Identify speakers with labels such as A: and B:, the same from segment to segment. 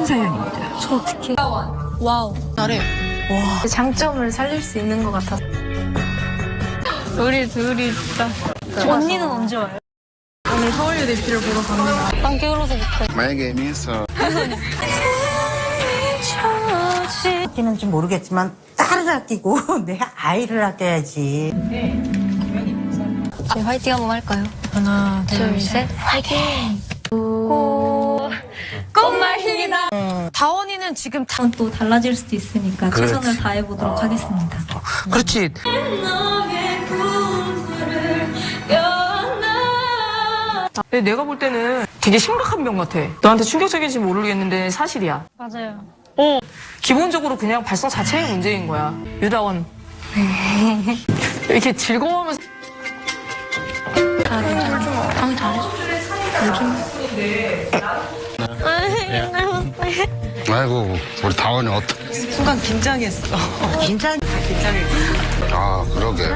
A: 사연입니다.
B: 저 어떡해. 와우.
C: 잘해. 와.
B: 장점을 살릴 수 있는 것 같아서. 우리 둘이 진짜. 언니는 언제 와요?
C: 오늘 서울예대 비를 보러 갑니다.
B: 난 게을러서 못해.
D: 만약에 애미에서
E: 아끼는지 모르겠지만 딸을 아끼고 내 아이를 아껴야지.
B: 저희 화이팅 한번 할까요?
C: 하나,
B: 둘, 셋. 화이팅! 꽃말입니다.
C: 다원이는 지금
B: 또 달라질 수도 있으니까 최선을 다해보도록 하겠습니다.
C: 그렇지. 내가 볼 때는 되게 심각한 병 같아. 너한테 충격적인지 모르겠는데 사실이야.
B: 맞아요.
C: 기본적으로 그냥 발성 자체의 문제인 거야. 유다원. 이렇게 즐거워하면서.
B: 방이 잘했어.
D: 아이고 우리 다원이 어떡
E: 순간 긴장했어. 긴장했어.
D: 아 그러게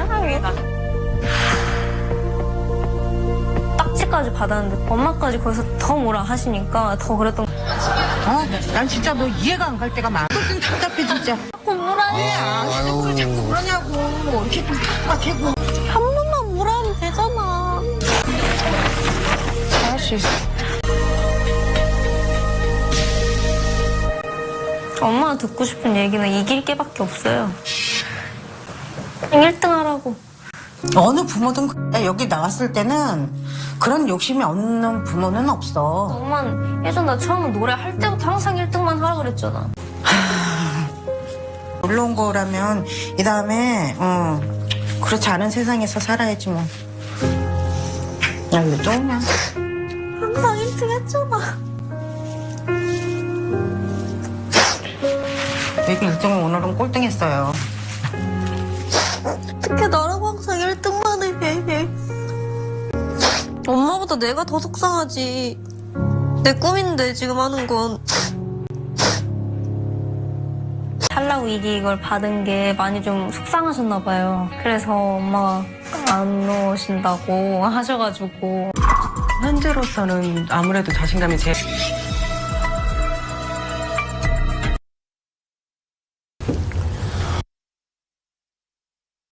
B: 딱지까지 받았는데 엄마까지 거기서 더 뭐라 하시니까 더 그랬던 거.
E: 난 진짜 너 이해가 안 갈 때가 많아. 좀 답답해 진짜.
D: 아유
E: 그러냐고. 이렇게 좀 답답하고.
B: 한 번만 뭐라 하면 되잖아.
C: 할 수 있어.
B: 엄마가 듣고 싶은 얘기는 이길 게밖에 없어요. 1등 하라고.
E: 어느 부모든 여기 나왔을 때는 그런 욕심이 없는 부모는 없어.
B: 엄마는 예전 나 처음에 노래할 때부터 항상 1등만 하라 그랬잖아.
E: 놀러 온 거라면 이 다음에 그렇지 않은 세상에서 살아야지 뭐. 야 이거 좀
B: 항상 1등 했잖아.
E: 여기 1등은 오늘은 꼴등했어요.
B: 어떻게 나라고 항상 1등만 해. 엄마보다 내가 더 속상하지. 내 꿈인데 지금 하는 건. 탈락 위기 이걸 받은 게 많이 좀 속상하셨나 봐요. 그래서 엄마가 안 오신다고 하셔가지고.
F: 현재로서는 아무래도 자신감이 제일